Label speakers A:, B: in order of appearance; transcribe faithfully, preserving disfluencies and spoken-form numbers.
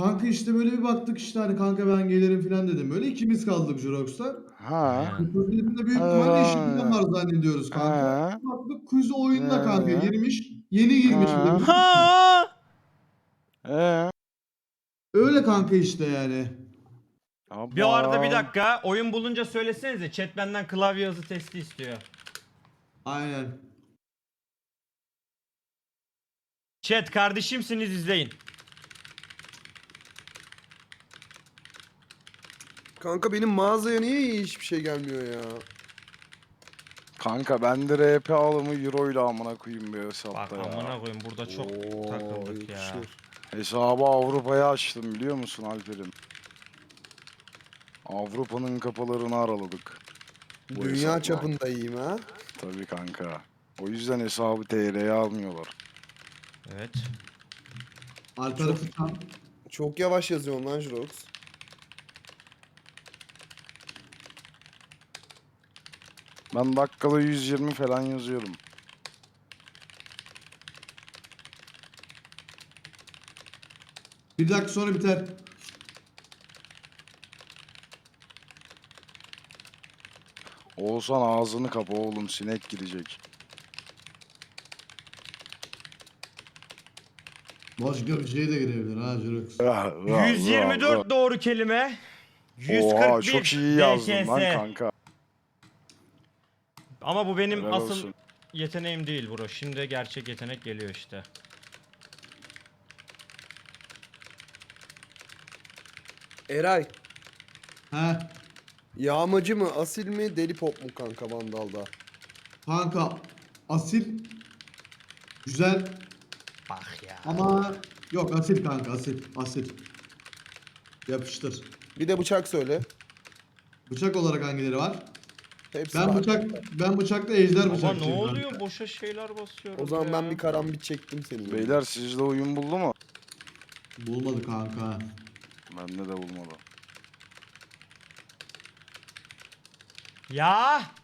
A: Kanka işte böyle bir baktık işte hani kanka ben gelirim falan dedim. Böyle ikimiz kaldık Jurox'ta.
B: Ha.
C: Aynen.
A: Kuzenin büyük ihtimalle işi falan
B: Ha.
A: var zannediyoruz kanka.
B: Ha.
A: Baktık kuzu oyunda kanka
B: Ha.
A: girmiş. Yeni girmiş bir de.
B: Ha.
C: Ha!
B: Ee.
A: Öyle kanka işte yani.
C: Bir arada bir
B: Aman.
C: dakika. Oyun bulunca söylesenize. Chat benden klavye hızı testi istiyor.
A: Aynen.
C: Chat kardeşimsiniz, izleyin.
D: Kanka benim mağazaya niye hiçbir şey gelmiyor ya?
B: Kanka ben de R P alımı euro ile amına koyayım bir
C: Bak
B: hesapta ya.
C: amına koyayım, burada çok
D: Oo,
C: takıldık ya.
D: yakışır.
B: Hesabı Avrupa'ya açtım biliyor musun Alper'im? Avrupa'nın kapılarını araladık. Bu
D: Dünya
B: hesapla.
D: çapında iyiyim ha.
B: Tabii kanka. O yüzden hesabı T L'ye almıyorlar.
C: Evet.
A: Alper Fıkan.
D: Çok yavaş yazıyorsun lan Jirox.
B: Ben dakikada yüz yirmi falan yazıyorum.
A: Bir dakika sonra biter.
B: Oğuzhan ağzını kapa oğlum, sinek girecek.
A: Başka bir şey de girebilir ha Jurox.
C: yüz yirmi dört doğru kelime.
B: Oha çok
C: yüz kırk bir
B: iyi yazdın lan
C: D K S.
B: kanka.
C: Ama bu benim
B: Helal
C: asıl
B: olsun.
C: yeteneğim değil bro. Şimdi gerçek yetenek geliyor işte.
D: Eray.
A: He.
D: Yağmacı mı, asil mi, deli pop mu kanka Vandal'da?
A: Kanka asil. Güzel
C: Bak ya.
A: ama yok asil kanka asil. Asil. Yapıştır.
D: Bir de bıçak söyle.
A: Bıçak olarak hangileri var?
D: Hepsi
A: Ben
D: var.
A: bıçak ben bıçakta ejder
C: Baba ne
A: bıçakçıyım
C: oluyor?
A: kanka.
C: Boşa şeyler basıyoruz
D: O zaman
C: ya.
D: ben bir karambit çektim senin.
B: Beyler sizde oyun buldu mu?
A: Bulmadı kanka.
B: Bende de bulmadı.
C: Ya.